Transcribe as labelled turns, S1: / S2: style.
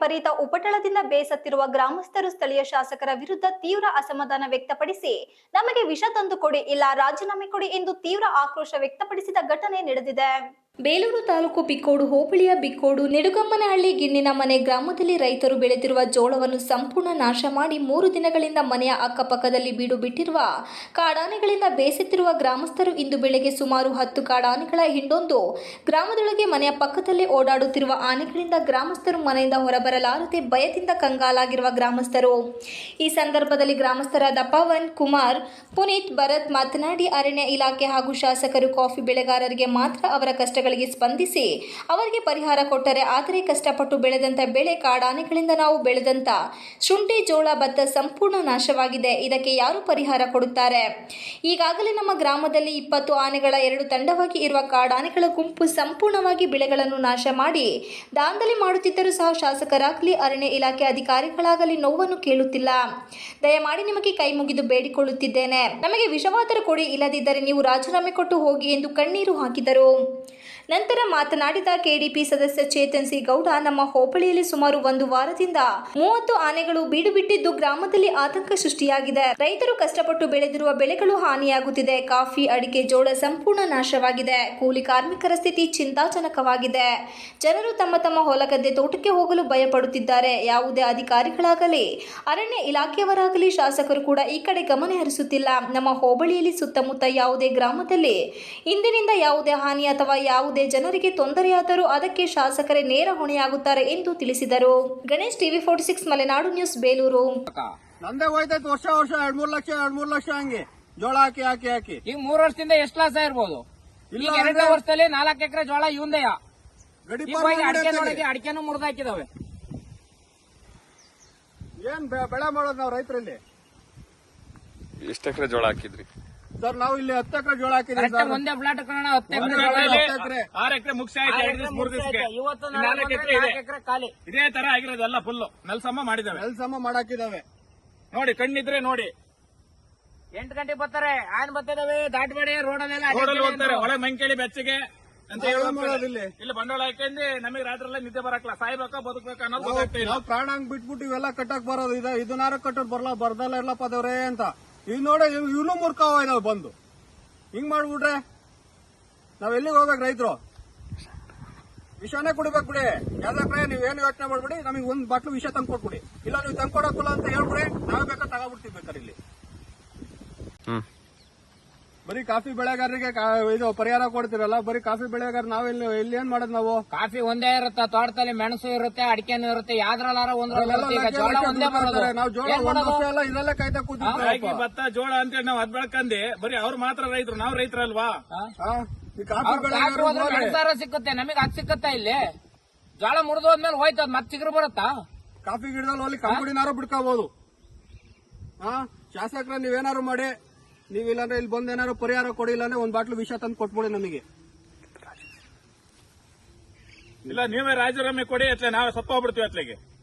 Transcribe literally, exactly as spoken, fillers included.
S1: ವಿಪರೀತ ಉಪಟಳದಿಂದ ಬೇಸತ್ತಿರುವ ಗ್ರಾಮಸ್ಥರು ಸ್ಥಳೀಯ ಶಾಸಕರ ವಿರುದ್ಧ ತೀವ್ರ ಅಸಮಾಧಾನ ವ್ಯಕ್ತಪಡಿಸಿ ನಮಗೆ ವಿಷ ತಂದು ಕೊಡಿ ಇಲ್ಲ ರಾಜೀನಾಮೆ ಕೊಡಿ ಎಂದು ತೀವ್ರ ಆಕ್ರೋಶ ವ್ಯಕ್ತಪಡಿಸಿದ ಘಟನೆ ನಡೆದಿದೆ. ಬೇಲೂರು ತಾಲೂಕು ಬಿಕ್ಕೋಡು ಹೋಬಳಿಯ ಬಿಕ್ಕೋಡು ನಿಡುಗಮ್ಮನಹಳ್ಳಿ ಗಿಣ್ಣಿನ ಮನೆ ಗ್ರಾಮದಲ್ಲಿ ರೈತರು ಬೆಳೆದಿರುವ ಜೋಳವನ್ನು ಸಂಪೂರ್ಣ ನಾಶ ಮಾಡಿ ಮೂರು ದಿನಗಳಿಂದ ಮನೆಯ ಅಕ್ಕಪಕ್ಕದಲ್ಲಿ ಬೀಡು ಬಿಟ್ಟಿರುವ ಕಾಡಾನೆಗಳಿಂದ ಬೇಸತ್ತಿರುವ ಗ್ರಾಮಸ್ಥರು ಇಂದು ಬೆಳಗ್ಗೆ ಸುಮಾರು ಹತ್ತು ಕಾಡಾನೆಗಳ ಹಿಂಡೊಂದು ಗ್ರಾಮದೊಳಗೆ ಮನೆಯ ಪಕ್ಕದಲ್ಲೇ ಓಡಾಡುತ್ತಿರುವ ಆನೆಗಳಿಂದ ಗ್ರಾಮಸ್ಥರು ಮನೆಯಿಂದ ಹೊರಬರಲಾರದೆ ಭಯದಿಂದ ಕಂಗಾಲಾಗಿರುವ ಗ್ರಾಮಸ್ಥರು. ಈ ಸಂದರ್ಭದಲ್ಲಿ ಗ್ರಾಮಸ್ಥರಾದ ಪವನ್ ಕುಮಾರ್, ಪುನೀತ್, ಭರತ್ ಮಾತನಾಡಿ ಅರಣ್ಯ ಇಲಾಖೆ ಹಾಗೂ ಶಾಸಕರು ಕಾಫಿ ಬೆಳೆಗಾರರಿಗೆ ಮಾತ್ರ ಅವರ ಕಷ್ಟಗಳು ಸ್ಪಂದಿಸಿ ಅವರಿಗೆ ಪರಿಹಾರ ಕೊಟ್ಟರೆ, ಆದರೆ ಕಷ್ಟಪಟ್ಟು ಬೆಳೆದಂತ ಬೆಳೆ ಕಾಡಾನೆಗಳಿಂದ ನಾವು ಬೆಳೆದಂತ ಶುಂಠಿ, ಜೋಳ, ಭತ್ತ ಸಂಪೂರ್ಣ ನಾಶವಾಗಿದೆ. ಇದಕ್ಕೆ ಯಾರು ಪರಿಹಾರ ಕೊಡುತ್ತಾರೆ? ಈಗಾಗಲೇ ನಮ್ಮ ಗ್ರಾಮದಲ್ಲಿ ಇಪ್ಪತ್ತು ಆನೆಗಳ ಎರಡು ತಂಡವಾಗಿ ಇರುವ ಕಾಡಾನೆಗಳ ಗುಂಪು ಸಂಪೂರ್ಣವಾಗಿ ಬೆಳೆಗಳನ್ನು ನಾಶ ಮಾಡಿ ದಾಂಧಲೆ ಮಾಡುತ್ತಿದ್ದರೂ ಸಹ ಶಾಸಕರಾಗಲಿ ಅರಣ್ಯ ಇಲಾಖೆ ಅಧಿಕಾರಿಗಳಾಗಲಿ ನೋವನ್ನು ಕೇಳುತ್ತಿಲ್ಲ. ದಯಮಾಡಿ ನಿಮಗೆ ಕೈ ಮುಗಿದು ಬೇಡಿಕೊಳ್ಳುತ್ತಿದ್ದೇನೆ, ನಮಗೆ ವಿಷವಾದರೂ ಕೊಡಿ, ಇಲ್ಲದಿದ್ದರೆ ನೀವು ರಾಜೀನಾಮೆ ಕೊಟ್ಟು ಹೋಗಿ ಎಂದು ಕಣ್ಣೀರು ಹಾಕಿದರು. ನಂತರ ಮಾತನಾಡಿದ ಕೆಡಿಪಿ ಸದಸ್ಯ ಚೇತನ್ ಸಿ ಗೌಡ, ನಮ್ಮ ಹೋಬಳಿಯಲ್ಲಿ ಸುಮಾರು ಒಂದು ವಾರದಿಂದ ಮೂವತ್ತು ಆನೆಗಳು ಬೀಡು ಬಿಟ್ಟಿದ್ದು ಗ್ರಾಮದಲ್ಲಿ ಆತಂಕ ಸೃಷ್ಟಿಯಾಗಿದೆ. ರೈತರು ಕಷ್ಟಪಟ್ಟು ಬೆಳೆದಿರುವ ಬೆಳೆಗಳು ಹಾನಿಯಾಗುತ್ತಿದೆ. ಕಾಫಿ, ಅಡಿಕೆ, ಜೋಳ ಸಂಪೂರ್ಣ ನಾಶವಾಗಿದೆ. ಕೂಲಿ ಕಾರ್ಮಿಕರ ಸ್ಥಿತಿ ಚಿಂತಾಜನಕವಾಗಿದೆ. ಜನರು ತಮ್ಮ ತಮ್ಮ ಹೊಲಗದ್ದೆ, ತೋಟಕ್ಕೆ ಹೋಗಲು ಭಯಪಡುತ್ತಿದ್ದಾರೆ. ಯಾವುದೇ ಅಧಿಕಾರಿಗಳಾಗಲಿ ಅರಣ್ಯ ಇಲಾಖೆಯವರಾಗಲಿ ಶಾಸಕರು ಕೂಡ ಈ ಕಡೆ ಗಮನ ಹರಿಸುತ್ತಿಲ್ಲ. ನಮ್ಮ ಹೋಬಳಿಯಲ್ಲಿ ಸುತ್ತಮುತ್ತ ಯಾವುದೇ ಗ್ರಾಮದಲ್ಲಿ ಇಂದಿನಿಂದ ಯಾವುದೇ ಹಾನಿ ಅಥವಾ ಯಾವುದೇ ಜನರಿಗೆ ತೊಂದರೆಯಾದರೂ ಅದಕ್ಕೆ ಶಾಸಕರೇ ನೇರ ಹೊಣೆಯಾಗುತ್ತಾರೆ ಎಂದು ತಿಳಿಸಿದರು. Ganesh, TV forty six Malenadu news, Belur.
S2: ನಂದೇ ಹೋಯ್ತೈತೆ ವರ್ಷ ವರ್ಷ ಎರಡ್ ಮೂರ್ ಲಕ್ಷ ಎರಡ್ ಮೂರ್ ಲಕ್ಷ ಹಂಗೆ ಜೋಳ ಹಾಕಿ ಹಾಕಿ ಹಾಕಿ
S3: ಈಗ ಮೂರ್ ವರ್ಷದಿಂದ ಎಷ್ಟು ಲಾಸ್ ಆಗಿರ್ಬೋದು? ಈಗ ಎರಡನೇ ವರ್ಷದಲ್ಲಿ ನಾಲ್ಕು ಎಕರೆ ಜೋಳ ಇವಂದೆಯ ಅಡಿಕೆ ನೋಡಿಗೆ ಅಡಿಕೆನೂ ಮುರಿದಾಕಿದಾವೆ.
S2: ಏನ್ ಬೆಳೆ ಮಾಡೋದು ನಾವು ರೈತರಲ್ಲಿ?
S4: ಎಷ್ಟು ಎಕರೆ ಜೋಳ ಹಾಕಿದ್ರಿ
S2: ಸರ್? ನಾವು ಇಲ್ಲಿ ಹತ್ತು ಎಕರೆ ಜೋಳ ಹಾಕಿದ್ವಿ ಸರ್.
S3: ಒಂದೇ ಫ್ಲಾಟ್ ಹತ್ತು
S2: ಎಕರೆ
S5: ಆರು ಎಕರೆ ಮುಗಿಸಿ ಮೂರು ದಿವಸಕ್ಕೆ
S3: ಇವತ್ತು
S5: ನಾಲ್ಕು ಎಕರೆ ಇದೆ.
S3: ಎಕರೆ ಖಾಲಿ
S5: ಇದೇ ತರ ಆಗಿರೋದೆಲ್ಲ ಫುಲ್ ನೆಲಸಮ ಮಾಡಿದಾವೆ.
S2: ನೆಲಸಮ ಮಾಡಾಕಿದಾವೆ
S5: ನೋಡಿ, ಕಣ್ಣಿದ್ರೆ ನೋಡಿ.
S3: ಎಂಟು ಗಂಟೆಗೆ ಬರ್ತಾರೆ, ಆನ್ ಬರ್ತಿದಾವೆ, ದಾಟಬೇಡಿ ರೋಡಲ್ಲೆಲ್ಲ
S5: ರೋಡಲ್ಲಿ ಹೋಗ್ತಾರೆ, ಒಳಗೆ ಮಂಕೇಳಿ ಬೆಚ್ಚಗೆ ಅಂತ ಹೇಳಿ
S2: ಇಲ್ಲಿ
S5: ಇಲ್ಲಿ ಬಂಡವಾಳ ಹಾಕಂದ್ರೆ ನಮಗೆ ರಾತ್ರಿ ಎಲ್ಲ ನಿದ್ದೆ ಬರಕ್ಲ, ಸಾಯ್ಬೇಕಾ ಬದುಕಬೇಕಾ ಅನ್ನೋದು ಗೊತ್ತಾಗ್ತಿಲ್ಲ.
S2: ನಾವು ಪ್ರಾಣ ಹಂಗ್ ಬಿಟ್ಬಿಟ್ಟು ಇವೆಲ್ಲ ಕಟ್ಟಕ್ ಬರೋದು ಇದೆ. ಇದನ್ನಾರ ಕಟ್ಟೋದು ಬರಲ್ಲ ಬರ್ದಲ್ಲ ಇರ್ಲಪ್ಪ ದೇವ್ರೇ ಅಂತ ಈಗ ನೋಡಿ. ಇವನು ಮೂರ್ಖವ ಇದಾವೆ ಬಂದು ಹಿಂಗ್ ಮಾಡ್ಬಿಟ್ರೆ ನಾವ್ ಎಲ್ಲಿಗೆ ಹೋಗ್ಬೇಕು? ರೈತರು ವಿಷನೇ ಕುಡಿಬೇಕು ಬಿಡಿ. ಯಾವ್ದಾಕ್ರೆ ನೀವೇನು ಯೋಚನೆ ಮಾಡ್ಬಿಡಿ, ನಮಗೆ ಒಂದ್ ಬಾಟ್ಲು ವಿಷ ತಂದು ಕೊಟ್ಬಿಡಿ. ಇಲ್ಲ ನೀವು ತಂದು ಕೊಡಕ್ಕಲ್ಲ ಅಂತ ಹೇಳ್ಬಿಡಿ, ನಾವೇ ಬೇಕಾ ತಗೋಬಿಡ್ತೀವಿ ಬೇಕಾದ್ರೆ. ಇಲ್ಲಿ ಬರೀ ಕಾಫಿ ಬೆಳೆಗಾರರಿಗೆ ಇದು ಪರಿಹಾರ ಕೊಡ್ತಿರಲ್ಲ, ಬರೀ ಕಾಫಿ ಬೆಳೆಗಾರ ನಾವೆಲ್ಲಿ ಇಲ್ಲಿ ಏನ್ ಮಾಡೋದು? ನಾವು
S3: ಕಾಫಿ ಒಂದೇ ಇರುತ್ತೆ, ತೋಟದಲ್ಲಿ ಮೆಣಸು ಇರುತ್ತೆ, ಅಡಿಕೆನೂ ಇರುತ್ತೆ, ಯಾವ್ದ್ರಲ್ಲಾರ ಒಂದೇ ಬರೋದು.
S2: ನಾವು ಜೋಳ ಒಂದ್ ವರ್ಷ ಎಲ್ಲ ಇದರಲ್ಲೇ ಕಾಯ್ತಾ ಕೂತಿದ್ವಿ.
S5: ಭತ್ತ, ಜೋಳ ಅಂತೇಳಿ ನಾವು ಅದ್ ಬೆಳ್ಕಂದಿ ಬರೀ ಅವ್ರು ಮಾತ್ರ ರೈತರು, ನಾವು ರೈತರಲ್ವಾ?
S2: ಕಾಫಿ ಬೆಳೆಗಾರ
S3: ಮೆಣಸಾರ ಸಿಕ್ಕುತ್ತೆ, ನಮಗೆ ಅದ್ ಸಿಕ್ಕತ್ತಾ? ಇಲ್ಲಿ ಜೋಳ ಮುರಿದು ಹೋದ್ಮೇಲೆ ಹೋಯ್ತದ ಮತ್ತೆ ಚಿಗುರು ಬರುತ್ತಾ?
S2: ಕಾಫಿ ಗಿಡದಲ್ಲಿ ಅಲ್ಲಿ ಕಂಪನಿನಾರು ಬಿಡ್ಕೋಬಹುದು. ಹಾ, ಶಾಸಕರ ನೀವೇನಾರು ಮಾಡಿ, ನೀವಿಲ್ಲಾಂದ್ರೆ ಇಲ್ಲಿ ಬಂದ್ ಏನಾರು ಪರಿಹಾರ ಕೊಡಿ, ಇಲ್ಲಾಂದ್ರೆ ಒಂದ್ ಬಾಟ್ಲು ವಿಷ ತಂದು ಕೊಟ್ಬಿಡಿ ನಮಗೆ.
S5: ಇಲ್ಲ ನೀವೇ ರಾಜೀನಾಮೆ ಕೊಡಿ, ಅತ್ಲೆ ನಾವೇ ಸತ್ತ ಹೋಗ್ಬಿಡ್ತೀವಿ ಅತ್ಲೆಗೆ.